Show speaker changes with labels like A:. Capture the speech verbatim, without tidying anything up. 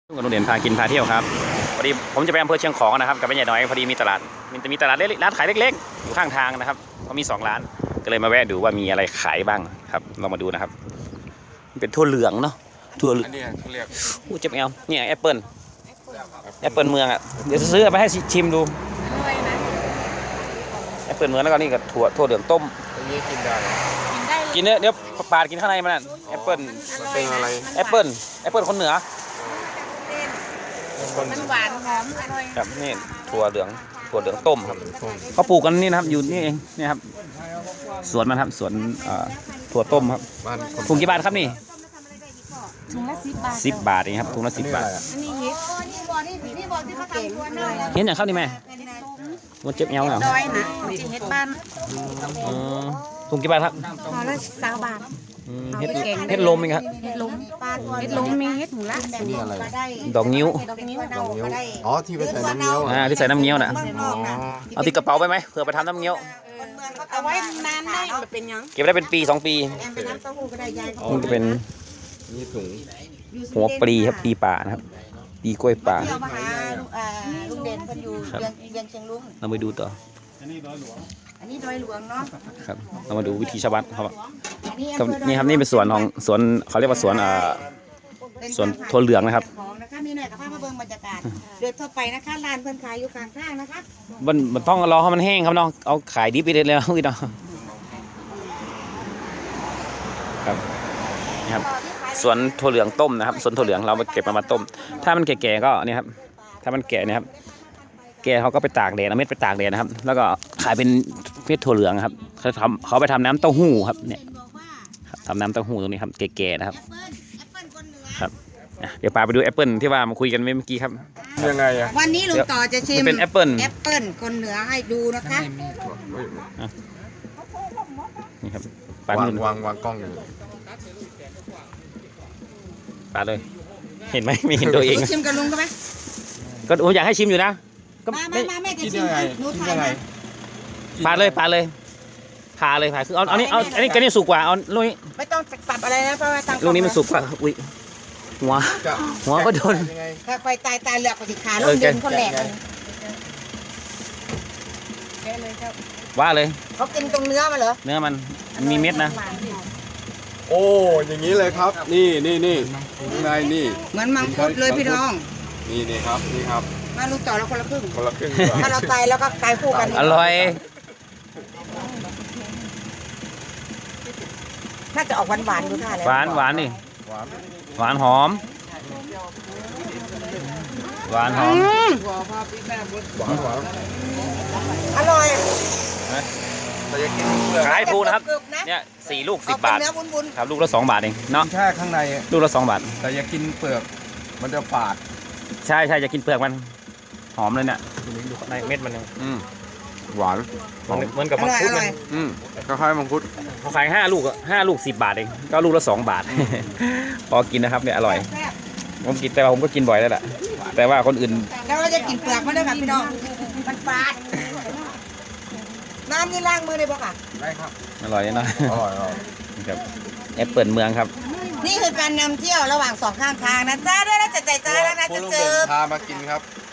A: กับลุงเด่นพากินพาเที่ยวครับพอดีผมจะไปอำเภอเชียงของนะครับกับแม่ใหญ่น้อยพอดีมีตลาดมีมีตลาดเล็กๆร้านขายเล็กๆอยู่ข้างทางนะครับเขามีสองร้านก็เลยมาแวะดูว่ามีอะไรขายบ้างครับเรามาดูนะครับเป็นถั่วเหลืองเนาะถั่วเหลือง
B: อันนี้เขาเรียก
A: อู้เจ็บแอลเนี่ยแอปเปิลแอปเปิลเมืองอ่ะเดี๋ยวซื้อไปให้ชิมดูแอปเปิลเมืองแล้วก็นี่กับถั่วถั่วเหลืองต้ม
B: อันนี้กินได้
A: กินเนื้อเดี๋ยวปาดกินข้างในมันน่ะแอปเปิล
B: มันเป็นอะไร
A: แอปเปิลแอปเปิลคนเหนือ
C: มันหวานหอมอร่อย
A: ครับนี่ถั่วเหลืองถั่วเหลืองต้มครับเขาปลูกกันนี่นะครับอยู่นี่เองนี่ครับสวนมันครับสวนถั่วต้มครับถุงกี่บาทครับนี่
C: ถุงละสิบบาท
A: สิบบาทเองครับถุงละสิบบาท
C: อันนี้เห็ดนี่บอนี่นี่บอที่เขาทำตัวน้อย
A: เห็นอย่างครับนี่แม่มันเจ็บเอวเหรอ
C: ดอยนะจีเห็ดบ้าน
A: ถุงกี่บาทครับ
C: พอละสามบาท
A: เห็ดเห็ดลมเองครับ
C: เห็ดลมเห็ดลมมีเห็ดถุงละ
B: นี่อะไร
A: ดอกงิ้ว
C: ดอกนิ้ว
B: ดอกนิ้วอ๋อที่ไปใส่น้ำเงี้ยว
A: อ่าที่ใส่น้ำเงี้ยวน่ะเอาติดกระเป๋าไปไหมเผื่อไปทำน้ำเงี้ยว
C: เอาไว้นานได้เป็นยัง
A: เก็บได้เป็นปีสองปีมันจะเป็น
B: นี่ถุง
A: หัวปลีครับปลีป่านะครับปลีกล้วยป่า
C: เที่ยวมาหาลุงเด่นคนอยู่ยังเชียงลุง
A: เราไปดูต่อ
C: อันนี้ดอยหลวงอันนี้ดอยหลวงเนาะ
A: ครับเรามาดูวิธีชาวบ้านเขานี่ครับนี่เป็นสวนของสวนเขาเรียกว่าสวนอ่าสวนถั่วเหลืองนะครับ
C: นะคะมีหน่อยกับภาพมาเบิ่งบรรยากาศเดินเข้าไปนะคะร้านเพิ่นขายอยู่ข้างทางนะคะ
A: มันมันต้องรอให้มันแห้งครับน้องเอาขายดิบไปเลยแล้วพี่น้องครับนี่ครับสวนถั่วเหลืองต้มนะครับสวนถั่วเหลืองเราไปเก็บมามาต้มถ้ามันแก่ๆก็นี่ครับถ้ามันแก่เนี่ยครับแก่เขาก็ไปตากแดดเอาเม็ดไปตากแดดนะครับแล้วก็ขายเป็นเม็ดถั่วเหลืองครับเขาทำเขาไปทำน้ำเต้าหู้ครับเนี่ยทำน้ำเต้าหู้ตรงนี้ครับแก่ๆนะครับครับเดี๋ยวพาไปดูแอปเปิลที่ว่ามาคุยกันเมื่อกี้ครับ
B: ยังไงอะ
C: วันนี้ลุงต่อจะชิม
A: เป็นแอปเปิล
C: แอปเปิลคนเหนือให้ดูนะคะ
A: นี่ครับ
B: วางวางวางกล้องอยู่
A: ปาเลยเห็นไหมไม่เห็นตัวเอง
C: ชิมกับลุงก็ไหม
A: ก็ผมอยากให้ชิมอยู่นะ
C: ก็มามาแม่จะชิมหนูถ่ายมา
A: ปาเลยปาเลยพาเลยพาคือเอาอันนี้เอาอันนี้ก็นี่สุกกว่าเอาลูกนี้
C: ไม่ต้องปรับอะไรนะเพราะว่า
A: ลูกนี้มันสุกกว่าอุ้ยหัวหัวก็โดน
C: ถ้าไฟตายตายเหลือกกว่าสิขาลูกเดินคนแหลก
A: ว่าเลย
C: เขากินตรงเนื้อมาเหรอ
A: เนื้อมันมีเม็ดนะ
B: โอ้อย่างนี้เลยครับนี่นี่นี่ข้างในนี่
C: เหมือนมังคุดเลยพี่น้อง
B: นี่นี่ครับนี่ครับ
C: มาลูกต่อเราคนละครึ่ง
B: คนละครึ่ง
C: ถ้าเราตายแล้วก็ตายคู่กัน
A: อร่อย
C: น่าจะออกหวานหวานดูท่าแล้ว
A: หวานหวานนี่หวานหอมหวานหอม
B: หวานหวาน
C: อร่อย
A: ขายถูกนะครับเนี่ยสี่ลูกสิบบาทครับลูกละสองบาทเองเนาะ
B: แค่ข้างใน
A: ลูกละสองบาท
B: แต่อย่ากินเปลือกมันจะฝาด
A: ใช่ใช่จะกินเปลือกมันหอมเลยเนี่ยดูในเม็ดมันเลย
B: หวาน
A: เหมือนกับมังคุดเลย
B: อืมคล้ายๆมังคุด
A: เขาขายห้าลูกอะห้าลูกสิบบาทเองก็ลูกละสองบาทพอกินนะครับเนี่ยอร่อยผมกินแต่ว่าผมก็กินบ่อยแล้วแหละแต่ว่าคนอื่น
C: แล้วเราจะกินเปลือกมันด้วยค่ะพี่น้องมันฝาดน้ำนี่ล้างมือได้ปะค่ะ
B: ได้ครับ
A: อร่อยนะ
B: อร่อย
A: ครับแอปเปิลเมืองครับ
C: นี่คือการนำเที่ยวระหว่างสองข้างทางนะจ้าด้วยนะจะใจจ้าแล้วนะจะเจอ
B: พามากินครับ